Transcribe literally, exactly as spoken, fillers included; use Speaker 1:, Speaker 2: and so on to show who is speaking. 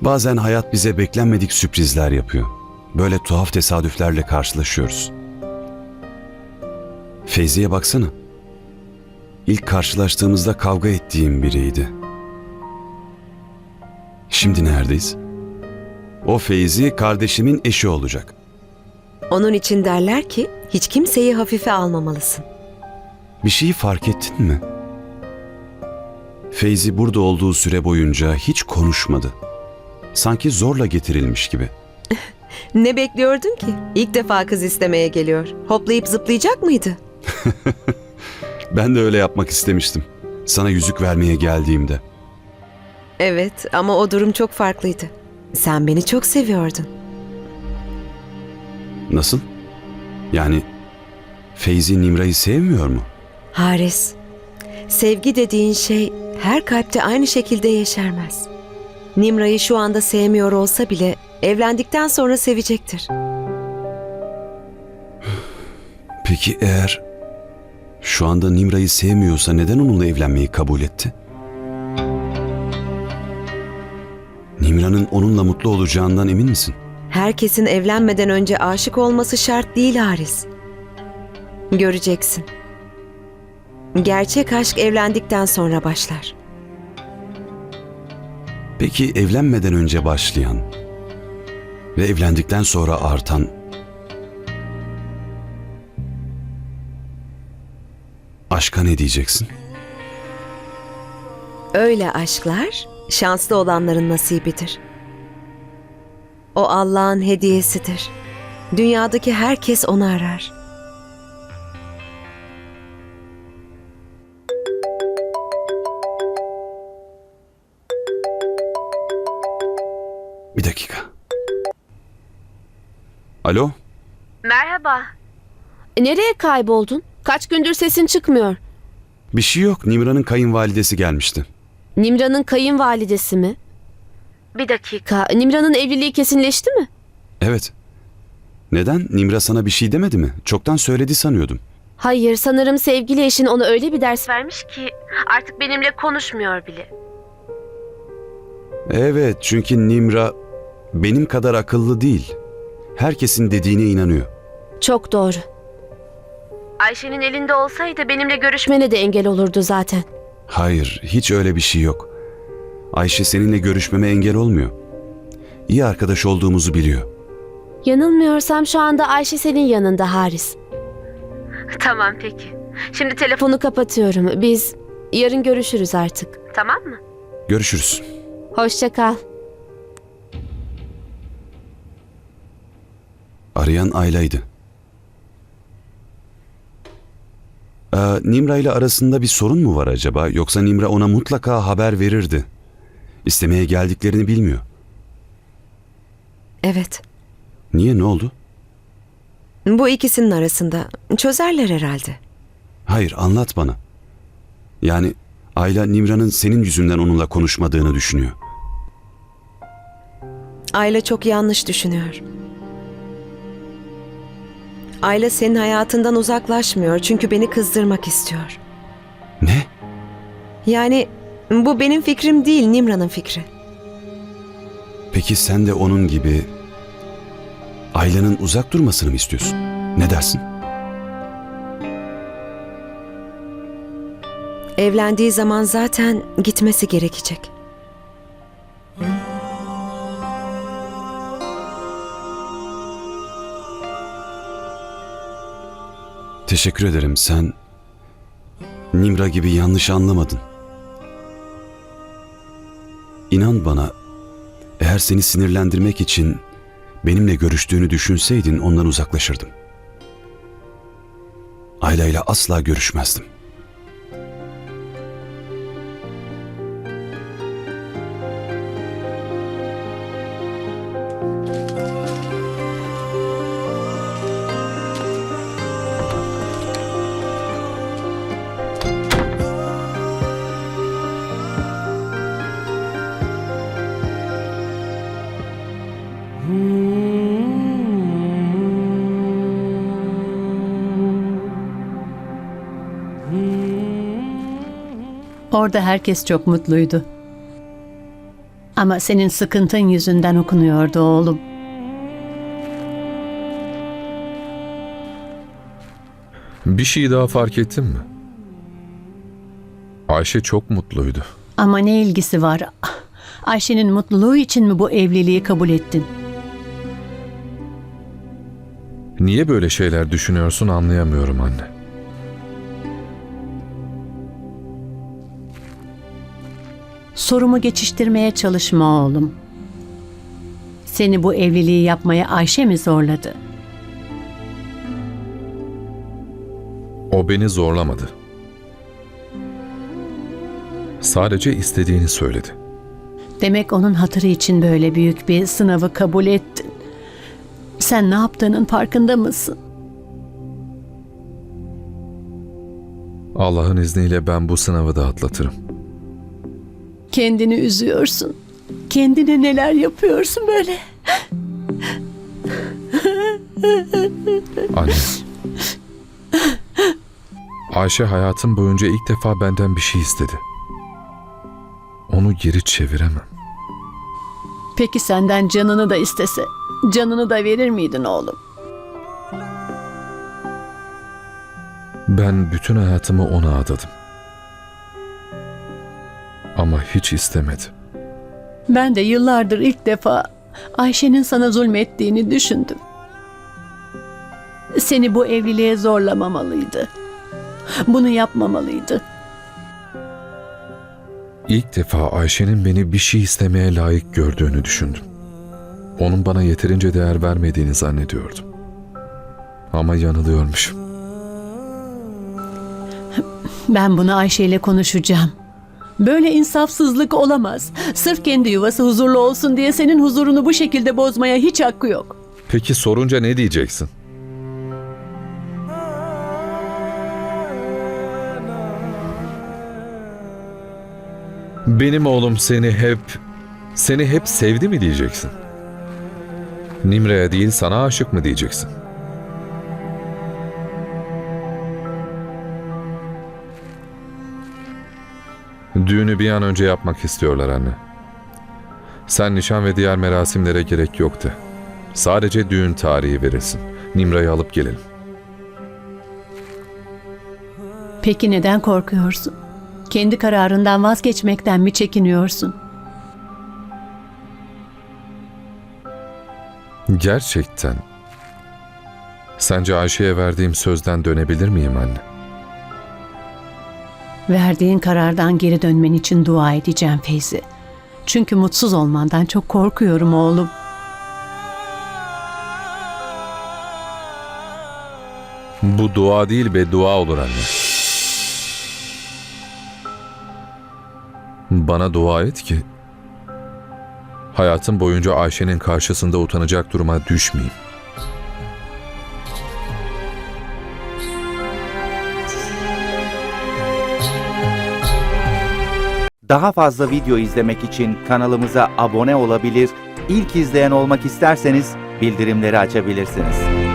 Speaker 1: Bazen hayat bize beklenmedik sürprizler yapıyor. Böyle tuhaf tesadüflerle karşılaşıyoruz. Feyzi'ye baksana. İlk karşılaştığımızda kavga ettiğim biriydi. Şimdi neredeyiz? O Feyzi kardeşimin eşi olacak.
Speaker 2: Onun için derler ki hiç kimseyi hafife almamalısın.
Speaker 1: Bir şeyi fark ettin mi? Feyzi burada olduğu süre boyunca hiç konuşmadı. Sanki zorla getirilmiş gibi.
Speaker 2: Ne bekliyordun ki? İlk defa kız istemeye geliyor. Hoplayıp zıplayacak mıydı?
Speaker 1: Ben de öyle yapmak istemiştim. Sana yüzük vermeye geldiğimde.
Speaker 2: Evet ama o durum çok farklıydı. Sen beni çok seviyordun.
Speaker 1: Nasıl? Yani Feyzi Nimra'yı sevmiyor mu?
Speaker 2: Haris, sevgi dediğin şey her kalpte aynı şekilde yeşermez. Nimra'yı şu anda sevmiyor olsa bile evlendikten sonra sevecektir.
Speaker 1: Peki eğer şu anda Nimra'yı sevmiyorsa neden onunla evlenmeyi kabul etti? Nimra'nın onunla mutlu olacağından emin misin?
Speaker 2: Herkesin evlenmeden önce aşık olması şart değil Haris. Göreceksin. Gerçek aşk evlendikten sonra başlar.
Speaker 1: Peki evlenmeden önce başlayan ve evlendikten sonra artan aşka ne diyeceksin?
Speaker 2: Öyle aşklar şanslı olanların nasibidir. O Allah'ın hediyesidir. Dünyadaki herkes onu arar.
Speaker 1: Bir dakika. Alo?
Speaker 3: Merhaba. Nereye kayboldun? Kaç gündür sesin çıkmıyor.
Speaker 1: Bir şey yok. Nimra'nın kayınvalidesi gelmişti.
Speaker 3: Nimra'nın kayınvalidesi mi? Bir dakika. Nimra'nın evliliği kesinleşti mi?
Speaker 1: Evet. Neden? Nimra sana bir şey demedi mi? Çoktan söyledi sanıyordum.
Speaker 3: Hayır, sanırım sevgili eşin ona öyle bir ders vermiş ki artık benimle konuşmuyor bile.
Speaker 1: Evet, çünkü Nimra benim kadar akıllı değil. Herkesin dediğine inanıyor.
Speaker 3: Çok doğru. Ayşe'nin elinde olsaydı benimle görüşmene de engel olurdu zaten.
Speaker 1: Hayır, hiç öyle bir şey yok. Ayşe seninle görüşmeme engel olmuyor. İyi arkadaş olduğumuzu biliyor.
Speaker 3: Yanılmıyorsam şu anda Ayşe senin yanında Haris. Tamam peki. Şimdi telefonu kapatıyorum. Biz yarın görüşürüz artık. Tamam mı?
Speaker 1: Görüşürüz.
Speaker 3: Hoşça kal.
Speaker 1: Arayan Ayla'ydı. Ee, Nimra ile arasında bir sorun mu var acaba? Yoksa Nimra ona mutlaka haber verirdi. İstemeye geldiklerini bilmiyor.
Speaker 2: Evet.
Speaker 1: Niye, ne oldu?
Speaker 2: Bu ikisinin arasında çözerler herhalde.
Speaker 1: Hayır, anlat bana. Yani Ayla Nimra'nın senin yüzünden onunla konuşmadığını düşünüyor.
Speaker 2: Ayla çok yanlış düşünüyor. Ayla senin hayatından uzaklaşmıyor çünkü beni kızdırmak istiyor.
Speaker 1: Ne?
Speaker 2: Yani bu benim fikrim değil, Nimra'nın fikri.
Speaker 1: Peki sen de onun gibi Ayla'nın uzak durmasını mı istiyorsun? Ne dersin?
Speaker 2: Evlendiği zaman zaten gitmesi gerekecek.
Speaker 1: Teşekkür ederim. Sen Nimra gibi yanlış anlamadın. İnan bana, eğer seni sinirlendirmek için benimle görüştüğünü düşünseydin ondan uzaklaşırdım. Ayla ile asla görüşmezdim.
Speaker 4: Orada herkes çok mutluydu. Ama senin sıkıntın yüzünden okunuyordu oğlum.
Speaker 5: Bir şey daha fark ettin mi? Ayşe çok mutluydu.
Speaker 4: Ama ne ilgisi var? Ayşe'nin mutluluğu için mi bu evliliği kabul ettin?
Speaker 5: Niye böyle şeyler düşünüyorsun anlayamıyorum anne.
Speaker 4: Sorumu geçiştirmeye çalışma oğlum. Seni bu evliliği yapmaya Ayşe mi zorladı?
Speaker 5: O beni zorlamadı. Sadece istediğini söyledi.
Speaker 4: Demek onun hatırı için böyle büyük bir sınavı kabul ettin. Sen ne yaptığının farkında mısın?
Speaker 5: Allah'ın izniyle ben bu sınavı da atlatırım.
Speaker 4: Kendini üzüyorsun. Kendine neler yapıyorsun böyle?
Speaker 5: Anne. Ayşe hayatım boyunca ilk defa benden bir şey istedi. Onu geri çeviremem.
Speaker 4: Peki senden canını da istese, canını da verir miydin oğlum?
Speaker 5: Ben bütün hayatımı ona adadım. Ama hiç istemedi.
Speaker 4: Ben de yıllardır ilk defa Ayşe'nin sana zulmettiğini düşündüm. Seni bu evliliğe zorlamamalıydı. Bunu yapmamalıydı.
Speaker 5: İlk defa Ayşe'nin beni bir şey istemeye layık gördüğünü düşündüm. Onun bana yeterince değer vermediğini zannediyordum. Ama yanılıyormuşum.
Speaker 4: Ben bunu Ayşe ile konuşacağım. Böyle insafsızlık olamaz. Sırf kendi yuvası huzurlu olsun diye senin huzurunu bu şekilde bozmaya hiç hakkı yok.
Speaker 5: Peki sorunca ne diyeceksin? Benim oğlum seni hep, seni hep sevdi mi diyeceksin? Nimre'ye değil sana aşık mı diyeceksin? Düğünü bir an önce yapmak istiyorlar anne. Sen nişan ve diğer merasimlere gerek yoktu. Sadece düğün tarihi verilsin. Nimra'yı alıp gelelim.
Speaker 4: Peki neden korkuyorsun? Kendi kararından vazgeçmekten mi çekiniyorsun?
Speaker 5: Gerçekten. Sence Ayşe'ye verdiğim sözden dönebilir miyim anne?
Speaker 4: Verdiğin karardan geri dönmen için dua edeceğim Feyzi. Çünkü mutsuz olmandan çok korkuyorum oğlum.
Speaker 5: Bu dua değil beddua olur anne. Bana dua et ki hayatım boyunca Ayşe'nin karşısında utanacak duruma düşmeyeyim.
Speaker 6: Daha fazla video izlemek için kanalımıza abone olabilir, ilk izleyen olmak isterseniz bildirimleri açabilirsiniz.